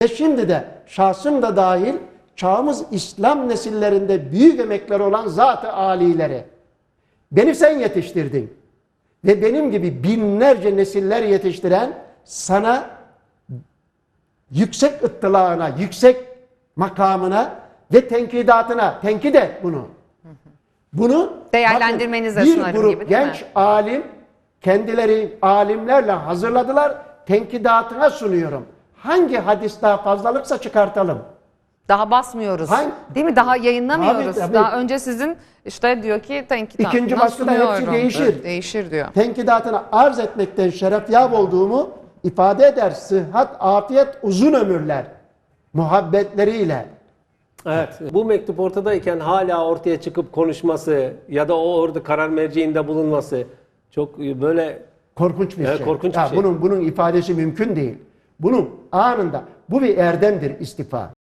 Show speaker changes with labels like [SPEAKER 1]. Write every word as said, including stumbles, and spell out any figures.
[SPEAKER 1] Ve şimdi de şahsım da dahil çağımız İslam nesillerinde büyük emekleri olan zat-ı âlileri. Beni sen yetiştirdin. Ve benim gibi binlerce nesiller yetiştiren sana yüksek ıttılağına, yüksek makamına ve tenkidatına, tenkit et bunu. Bunu
[SPEAKER 2] Değerlendirmenize
[SPEAKER 1] bakın,
[SPEAKER 2] sunarım
[SPEAKER 1] bir grup
[SPEAKER 2] gibi, değil
[SPEAKER 1] genç
[SPEAKER 2] mi?
[SPEAKER 1] alim kendileri alimlerle hazırladılar. Tenkidatına sunuyorum. Hangi hadis daha fazlalıksa çıkartalım.
[SPEAKER 2] Daha basmıyoruz.
[SPEAKER 1] Hangi-
[SPEAKER 2] Değil mi? Daha yayınlamıyoruz.
[SPEAKER 1] Tabii, tabii.
[SPEAKER 2] Daha önce sizin işte diyor ki tenkidatına
[SPEAKER 1] İkinci baskıda hepsi
[SPEAKER 2] sunuyorum.
[SPEAKER 1] değişir.
[SPEAKER 2] Evet, değişir diyor.
[SPEAKER 1] Tenkidatına arz etmekten şerefyab olduğumu ifade eder. Sıhhat, afiyet, uzun ömürler. Muhabbetleriyle.
[SPEAKER 3] Evet. Bu mektup ortadayken hala ortaya çıkıp konuşması ya da o orada karar merciinde bulunması çok böyle
[SPEAKER 1] Korkunç bir
[SPEAKER 3] Evet,
[SPEAKER 1] şey.
[SPEAKER 3] korkunç bir
[SPEAKER 1] Ya
[SPEAKER 3] şey.
[SPEAKER 1] Bunun, bunun ifadesi mümkün değil. Bunun anında, bu bir erdemdir istifa.